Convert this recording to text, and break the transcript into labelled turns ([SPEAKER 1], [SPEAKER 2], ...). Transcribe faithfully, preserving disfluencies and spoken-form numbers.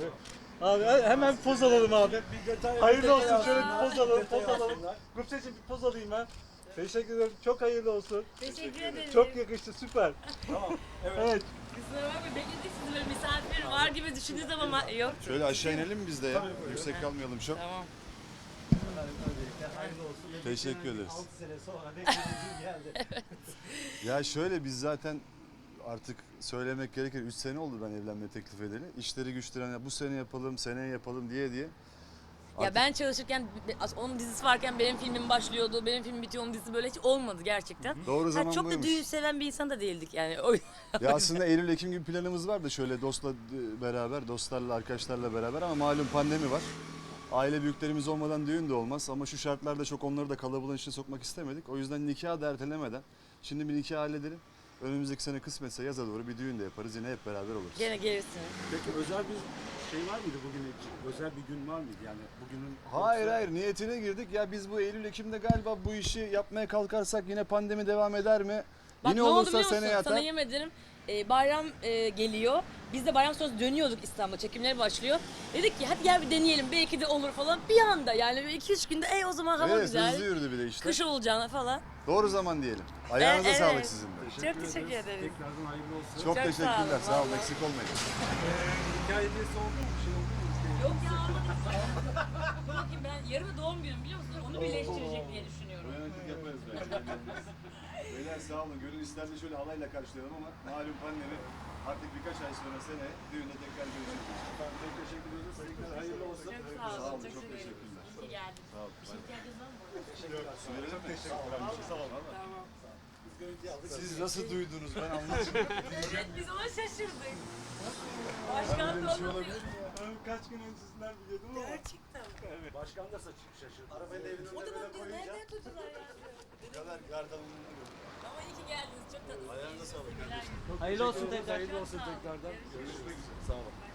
[SPEAKER 1] abi. Abi hemen poz alalım abi. Hayırlı olsun, şöyle bir poz alalım, poz alalım. Gupseciğim bir poz alayım ben. Teşekkür ederim, çok hayırlı olsun.
[SPEAKER 2] Teşekkür ederim.
[SPEAKER 1] Çok yakıştı, süper.
[SPEAKER 3] Tamam. Evet.
[SPEAKER 1] Evet.
[SPEAKER 2] Kusura bakma bekledik sizi böyle misafir var gibi düşündünüz ama yok.
[SPEAKER 4] Şöyle aşağı inelim mi biz de ya? Yüksek kalmayalım çok.
[SPEAKER 2] Tamam.
[SPEAKER 1] Öncelikle hayırlı olsun.
[SPEAKER 4] Teşekkür ederiz.
[SPEAKER 1] altı sene sonra beklediğim geldi.
[SPEAKER 4] Ya şöyle biz zaten artık söylemek gerekir üç sene oldu ben evlenme teklif edeli. İşleri güçleri hani bu sene yapalım, seneye yapalım diye diye.
[SPEAKER 2] Ya
[SPEAKER 4] Artık-
[SPEAKER 2] ben çalışırken onun dizisi varken benim filmim başlıyordu, benim film bitiyor, onun dizisi böyle hiç olmadı gerçekten.
[SPEAKER 4] Doğru
[SPEAKER 2] Ha,
[SPEAKER 4] zaman
[SPEAKER 2] çok da
[SPEAKER 4] buymuş.
[SPEAKER 2] düğün seven bir insan da değildik yani. O
[SPEAKER 4] Ya aslında Eylül Ekim gibi planımız vardı şöyle dostla beraber, dostlarla, arkadaşlarla beraber ama malum pandemi var. Aile büyüklerimiz olmadan düğün de olmaz ama şu şartlarda çok onları da kalabalığın içine sokmak istemedik. O yüzden nikahı da ertelemeden şimdi bir nikah halledelim. Önümüzdeki sene kısmetse yaza doğru bir düğün de yaparız. Yine hep beraber oluruz.
[SPEAKER 2] Gene gelirsin.
[SPEAKER 3] Peki özel bir şey var mıydı bugün için? Özel bir gün var mıydı yani bugünün?
[SPEAKER 4] Hayır
[SPEAKER 3] yoksa-
[SPEAKER 4] hayır niyetine girdik. Ya biz bu Eylül Ekim'de galiba bu işi yapmaya kalkarsak yine pandemi devam eder mi?
[SPEAKER 2] Bak
[SPEAKER 4] Yine
[SPEAKER 2] ne oldu
[SPEAKER 4] olursa
[SPEAKER 2] biliyor musun?
[SPEAKER 4] seneye
[SPEAKER 2] Sana
[SPEAKER 4] atar.
[SPEAKER 2] yemin ederim e, bayram e, geliyor. Biz de bayram sonrası dönüyorduk İstanbul'a. Çekimler başlıyor. Dedik ki hadi gel bir deneyelim belki de olur falan. Bir anda yani iki üç günde ey o zaman hava
[SPEAKER 4] Evet
[SPEAKER 2] güzel.
[SPEAKER 4] hızlı yürüdü bir de işte.
[SPEAKER 2] Kış olacağına falan.
[SPEAKER 4] Doğru zaman diyelim. Ayağınıza
[SPEAKER 2] Evet,
[SPEAKER 4] sağlık
[SPEAKER 2] evet.
[SPEAKER 4] sizin de.
[SPEAKER 2] Çok teşekkür ederiz.
[SPEAKER 3] Tekrardan hayırlı olsun.
[SPEAKER 4] Çok,
[SPEAKER 2] Çok sağ
[SPEAKER 4] teşekkürler.
[SPEAKER 2] olun,
[SPEAKER 4] Sağ olun.
[SPEAKER 2] vallahi.
[SPEAKER 4] Eksik olmayın.
[SPEAKER 3] Hikaye hediyesi oldu mu? Bir şey oldu mu?
[SPEAKER 2] Yok ya almadım. Dur bakayım ben yarın doğum günüm biliyor musun? Onu birleştirecek diye düşünüyorum.
[SPEAKER 4] Yönetim yaparız belki. Beyler sağ olun. Gönül isterdi şöyle halayla karşılayalım ama malum pandemi. Artık birkaç ay sonra sene düğünde tekrar görüşürüz.
[SPEAKER 3] Efendim çok teşekkür ederiz. Tekrar hayırlı olsun.
[SPEAKER 2] Çok sağ olun.
[SPEAKER 4] Sağ olun.
[SPEAKER 2] Çok,
[SPEAKER 4] Çok
[SPEAKER 2] sevindim.
[SPEAKER 4] teşekkürler.
[SPEAKER 2] İyi ki geldin.
[SPEAKER 4] Sağ olun.
[SPEAKER 2] Bir şey ihtiyacınız var mı?
[SPEAKER 4] Çok teşekkürler. Sağ olun.
[SPEAKER 2] Tamam.
[SPEAKER 4] Siz nasıl duydunuz ben anlamadım.
[SPEAKER 2] Evet biz ona şaşırdık. Başkan da olmadı.
[SPEAKER 1] Ben kaç gün öncesinden biliyordum ama.
[SPEAKER 2] Gerçekten.
[SPEAKER 3] Başkan da saçı şaşırdı.
[SPEAKER 4] Arabayı da evin
[SPEAKER 2] O
[SPEAKER 4] önüne
[SPEAKER 2] da
[SPEAKER 4] böyle
[SPEAKER 2] bak diyor
[SPEAKER 4] koyunca
[SPEAKER 2] nereden tuttular ya?
[SPEAKER 4] bu kadar yardımını gördüm.
[SPEAKER 2] Ama iyi ki geldiniz. Çok tatlısınız.
[SPEAKER 4] Ayağınıza sağlık.
[SPEAKER 1] Hayırlı olsun tekrar.
[SPEAKER 3] Hayırlı olsun tekrardan.
[SPEAKER 4] Görüşmek üzere. Sağ olun.